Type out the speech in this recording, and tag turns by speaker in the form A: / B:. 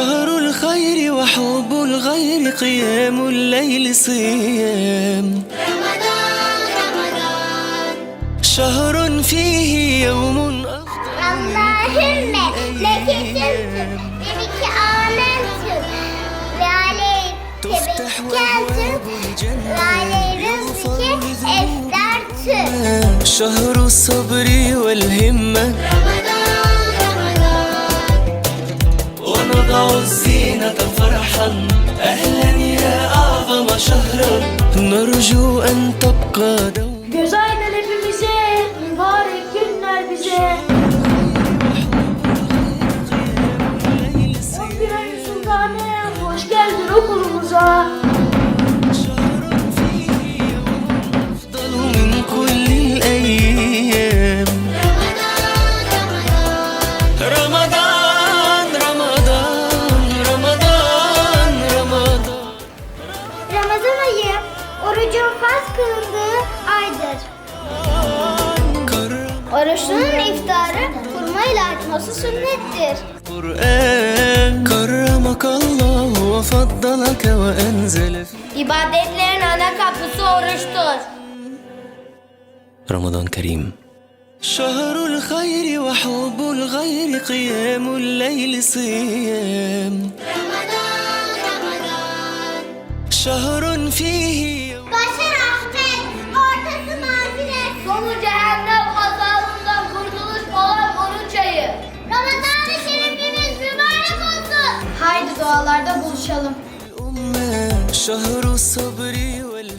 A: شهر الخير وحب الغير قيام الليل صيام رمضان شهر فيه يوم
B: اللهم لك سمت بك آمنت وعليك توكلت وعلى رزقك افطرت
A: شهر الصبر والهمة ونضع الزينة فرحا أهلا يا أعظم شهرا نرجو أن تبقى دوما.
C: Göz aydın hepimize, mübarek günler bize. 11 ayın sultanı, hoş geldin okulumuza.
A: أفضل من كل الأيام رمضان رمضان رمضان رمضان
B: Ramazan ayı orucun farz kılındığı aydır. Oruçlunun iftarı hurmayla açması sünnettir.
A: القرآن كرمك الله وفضلك وأنزل
B: İbadetlerin ana kapısı oruçtur.
A: رمضان كريم شهر الخير وحب الغير قيام الليل صيام شهر فيه
B: Başı rahmet, ortası mağfiret. Sonu cehennem azabından kurtuluş olan oruç ayı. Ramazan-ı Şerifimiz mübarek olsun. Haydi dualarda buluşalım.
A: الأمة شهر الصبر